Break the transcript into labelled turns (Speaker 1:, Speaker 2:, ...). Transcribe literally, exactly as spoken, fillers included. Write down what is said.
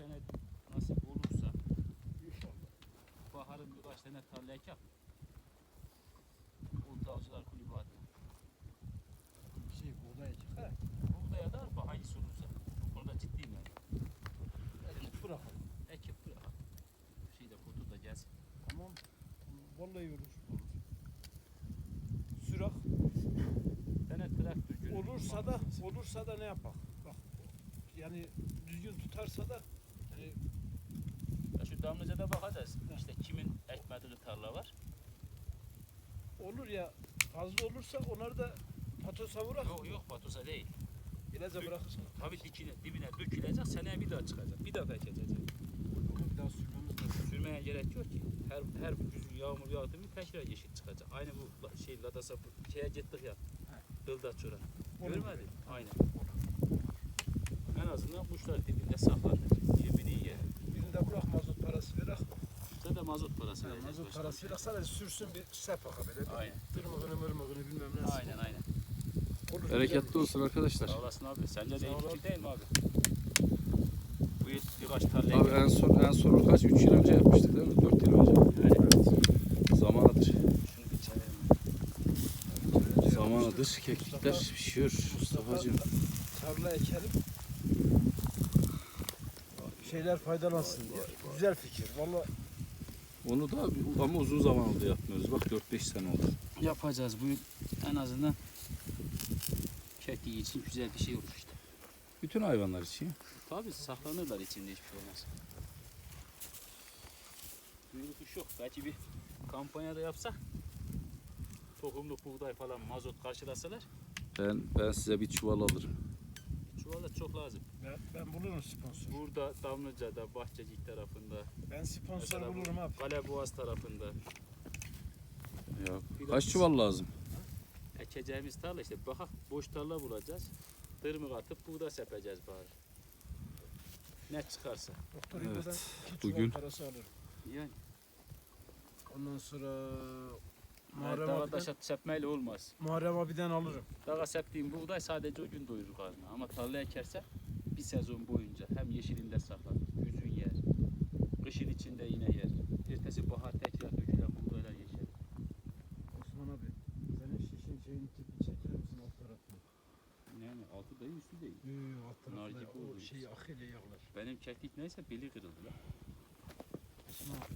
Speaker 1: sene nasip olursa baharın birkaç tane tarla ekip Ultra Avcılar Kulübü adına.
Speaker 2: Şey buğday ekip ha.
Speaker 1: Buğdaya da arpa hangisi olursa. Bu konuda ciddiyim yani.
Speaker 2: Ekip bırakalım.
Speaker 1: Ekip bırakalım. Şey de kutu da gelsin.
Speaker 2: Tamam. Vallahi olur. Sürak
Speaker 1: Tane traktör günü
Speaker 2: olursa da olursa da ne yapak? Bak yani düzgün tutarsa da yani
Speaker 1: ya şu Damlıca'da bakacağız. İşte kimin ekmediği tarla var.
Speaker 2: olur ya fazla olursa onları da patosa bırak.
Speaker 1: Yok yok Batusa değil.
Speaker 2: İlaca bırakırsın.
Speaker 1: Tabii dikine, dibine dökülecek, seneye bir daha çıkacak. Bir daha ekecek.
Speaker 2: Onu bir daha sürmemiz lazım.
Speaker 1: Sürmeye gerek yok ki. Her her güzün yağmur yağdı mı tekrar yeşil çıkacak. Aynı bu la- şey Ladas'a şeye gittik ya. Dıldaç çora. Görmedin? Aynen. En azından kuşlar dibinde saklanır. Yemini yer.
Speaker 2: Birinde bırak mazot parası bırak.
Speaker 1: Size de mazot parası
Speaker 2: Yani
Speaker 1: vereceğiz.
Speaker 2: mazot
Speaker 1: başka
Speaker 2: parası
Speaker 1: bir şey.
Speaker 2: bırak sadece sürsün bir sepaka böyle.
Speaker 1: Aynen.
Speaker 2: Tırmıkını mırmıkını bilmem ne.
Speaker 1: Aynen aynen.
Speaker 2: Olur,
Speaker 3: Bereketli
Speaker 2: güzel.
Speaker 3: olsun arkadaşlar.
Speaker 1: Sağ olasın abi. Sence de
Speaker 2: Sağ
Speaker 1: iyi
Speaker 2: ol
Speaker 1: fikir değil mi abi? Bu yıl birkaç tarlaya
Speaker 3: Abi en son en son kaç üç yıl önce yapmıştık değil mi? dört yıl önce.
Speaker 1: Yani
Speaker 3: Zamanıdır.
Speaker 1: şunu bir çevirelim.
Speaker 3: Zamanıdır keklikler pişiyor Mustafa'cığım.
Speaker 2: Tarla ekelim. Şeyler faydalansın diye. Güzel fikir. Vallahi
Speaker 3: Onu da ama uzun zaman oldu yapmıyoruz. Bak dört beş sene oldu.
Speaker 1: Yapacağız bu yıl en azından kekliği için güzel bir şey olur işte.
Speaker 3: Bütün hayvanlar için.
Speaker 1: Tabii saklanırlar içinde hiçbir şey olmaz. Büyük kuş yok. Belki bir kampanyada yapsak tohumluk buğday falan mazot karşılasalar
Speaker 3: Ben ben size bir çuval alırım.
Speaker 1: çuvala çok lazım.
Speaker 2: ben, ben bulurum sponsor.
Speaker 1: Burada Damlıca'da, Bahçecik tarafında,
Speaker 2: Ben sponsor
Speaker 1: mesela bu
Speaker 2: bulurum abi.
Speaker 1: Kaleboğaz tarafında
Speaker 3: Ya
Speaker 1: Bir de
Speaker 3: kaç
Speaker 1: biz-
Speaker 3: çuval lazım?
Speaker 1: ekeceğimiz tarla işte bakak boş tarla bulacağız. Dırmık atıp buğday sepeceğiz bari. Ne çıkarsa.
Speaker 2: Doktor
Speaker 3: Evet,
Speaker 2: İbo'dan iki çuval
Speaker 3: bugün-
Speaker 2: parası alırım.
Speaker 1: Yani
Speaker 2: Ondan sonra
Speaker 1: Muharrem
Speaker 2: Muharrem
Speaker 1: dağa
Speaker 2: abiden,
Speaker 1: taş sepmeyle olmaz.
Speaker 2: Muharrem abiden alırım.
Speaker 1: Dağa septiğim buğday sadece o gün doyurur karnını. Ama tarla ekerse bir sezon boyunca hem yeşilinde saklar, yüzün yer, kışın içinde yine yer. Ertesi bahar tekrar dökülen buğdaylar yeşer.
Speaker 2: Osman abi, senin şişin şeyin tipi çeker misin alt tarafını?
Speaker 1: Yani altı değil üstü değil.
Speaker 2: Yok yok alt
Speaker 1: Nar
Speaker 2: tarafına
Speaker 1: gibi
Speaker 2: o
Speaker 1: oldu
Speaker 2: şey akıyla yağlar.
Speaker 1: Benim keklik neyse beli kırıldı lan.
Speaker 2: Osman abi,